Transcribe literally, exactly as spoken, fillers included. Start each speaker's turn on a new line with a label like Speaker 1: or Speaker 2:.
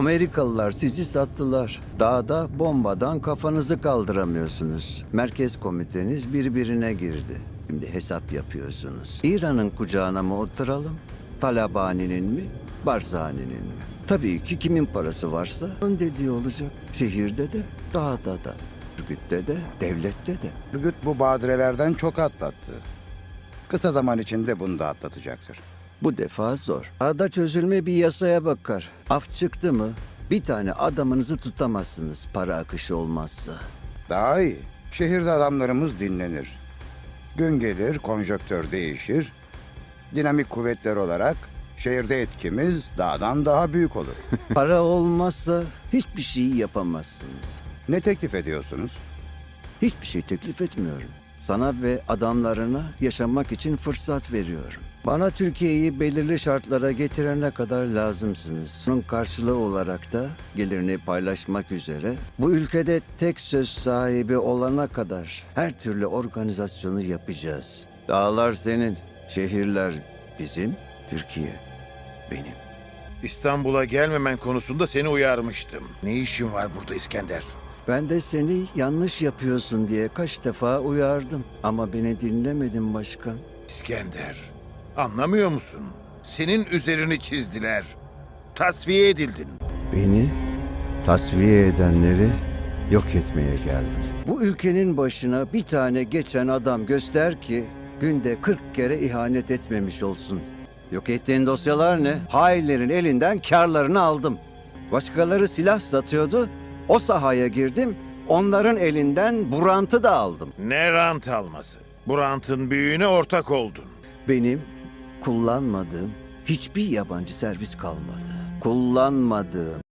Speaker 1: Amerikalılar sizi sattılar. Dağda bombadan kafanızı kaldıramıyorsunuz. Merkez komiteniz birbirine girdi. Şimdi hesap yapıyorsunuz. İran'ın kucağına mı oturalım? Talabani'nin mi? Barzani'nin mi? Tabii ki kimin parası varsa onun dediği olacak. Şehirde de, dağda da, örgütte de, devlette de.
Speaker 2: Örgüt bu badirelerden çok atlattı. Kısa zaman içinde bunu da atlatacaktır.
Speaker 1: Bu defa zor. Dağda çözülme bir yasaya bakar. Af çıktı mı bir tane adamınızı tutamazsınız para akışı olmazsa.
Speaker 2: Daha iyi. Şehirde adamlarımız dinlenir. Gün gelir, konjonktür değişir. Dinamik kuvvetler olarak şehirde etkimiz dağdan daha büyük olur.
Speaker 1: Para olmazsa hiçbir şey yapamazsınız.
Speaker 2: Ne teklif ediyorsunuz?
Speaker 1: Hiçbir şey teklif etmiyorum. Sana ve adamlarına yaşamak için fırsat veriyorum. Bana Türkiye'yi belirli şartlara getirene kadar lazımsınız. Bunun karşılığı olarak da gelirini paylaşmak üzere bu ülkede tek söz sahibi olana kadar her türlü organizasyonu yapacağız. Dağlar senin, şehirler bizim, Türkiye benim.
Speaker 3: İstanbul'a gelmemen konusunda seni uyarmıştım. Ne işin var burada İskender?
Speaker 1: Ben de seni yanlış yapıyorsun diye kaç defa uyardım. Ama beni dinlemedin başkan.
Speaker 3: İskender, anlamıyor musun? Senin üzerini çizdiler. Tasfiye edildin.
Speaker 1: Beni tasfiye edenleri yok etmeye geldim. Bu ülkenin başına bir tane geçen adam göster ki günde kırk kere ihanet etmemiş olsun. Yok ettiğin dosyalar ne? Hainlerin elinden karlarını aldım. Başkaları silah satıyordu. O sahaya girdim. Onların elinden burantı da aldım.
Speaker 3: Ne rant alması? Bu rantın büyüğüne ortak oldun.
Speaker 1: Benim kullanmadığım hiçbir yabancı servis kalmadı. Kullanmadığım